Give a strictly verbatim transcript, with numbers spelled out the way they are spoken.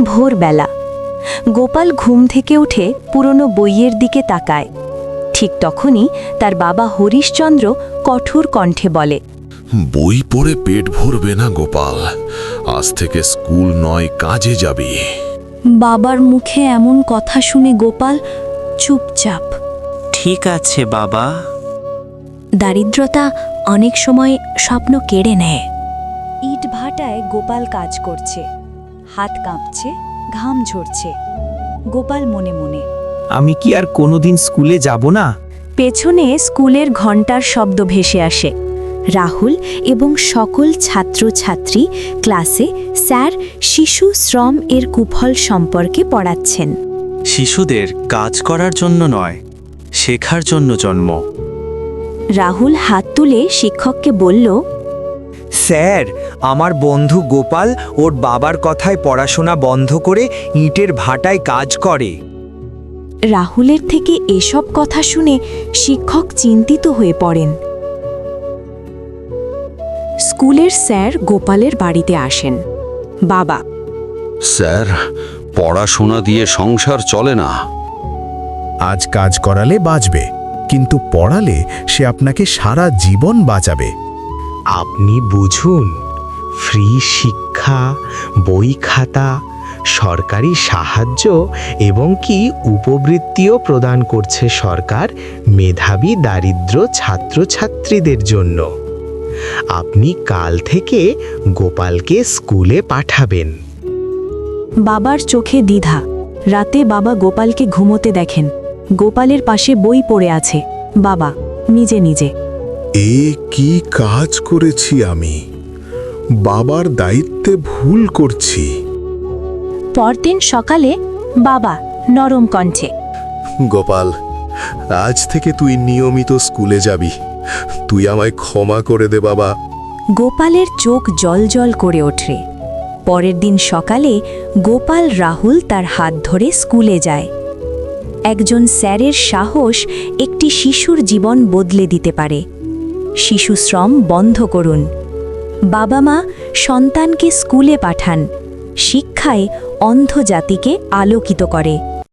ভোরবেলা গোপাল ঘুম থেকে উঠে পুরনো বইয়ের দিকে তাকায়। ঠিক তখনই তার বাবা হরিশচন্দ্র কঠোর কণ্ঠে বলে, বই পড়ে পেট ভরবে না গোপাল, আজ থেকে স্কুল নয় কাজে যাবি। বাবার মুখে এমন কথা শুনে গোপাল চুপচাপ। ঠিক আছে বাবা। দারিদ্রতা অনেক সময় স্বপ্ন কেড়ে নেয়। ইট ভাটায় গোপাল কাজ করছে, হাত কাঁপছে, ঘাম ঝরছে। গোপাল মনে মনে, আমি কি আর কোনোদিন স্কুলে যাব না? পেছনে স্কুলের ঘণ্টার শব্দ ভেসে আসে। রাহুল এবং সকল ছাত্রছাত্রী ক্লাসে স্যার শিশু শ্রম এর কুফল সম্পর্কে পড়াচ্ছেন। শিশুদের কাজ করার জন্য নয়, শেখার জন্য জন্ম। রাহুল হাত তুলে শিক্ষককে বলল, স্যার, আমার বন্ধু গোপাল ওর বাবার কথায় পড়াশোনা বন্ধ করে ইটের ভাটায় কাজ করে। রাহুলের থেকে এসব কথা শুনে শিক্ষক চিন্তিত হয়ে পড়েন। স্কুলের স্যার গোপালের বাড়িতে আসেন। বাবা, স্যার, পড়াশোনা দিয়ে সংসার চলে না। আজ কাজ করালে বাঁচবে, কিন্তু পড়ালে সে আপনাকে সারা জীবন বাঁচাবে। আপনি বুঝুন, ফ্রি শিক্ষা, বই খাতা, সরকারি সাহায্য এবং কি উপবৃত্তিও প্রদান করছে সরকার মেধাবী দারিদ্র ছাত্রছাত্রীদের জন্য। আপনি কাল থেকে গোপালকে স্কুলে পাঠাবেন। বাবার চোখে দ্বিধা। রাতে বাবা গোপালকে ঘুমোতে দেখেন। গোপালের পাশে বই পড়ে আছে। বাবা নিজে নিজে, এ কি কাজ করেছি আমি? বাবার দায়িত্বে ভুল করছি। পরদিন সকালে বাবা নরম কণ্ঠে, গোপাল, আজ থেকে তুই নিয়মিত স্কুলে যাবি। তুই আমায় ক্ষমা করে দে বাবা। গোপালের চোখ জলজল করে ওঠে। পরের দিন সকালে গোপাল রাহুল তার হাত ধরে স্কুলে যায়। একজন স্যারের সাহস একটি শিশুর জীবন বদলে দিতে পারে। শিশু শ্রম বন্ধ করুন। বাবা মা সন্তানকে স্কুলে পাঠান। শিক্ষায় অন্ধ জাতিকে আলোকিত করে।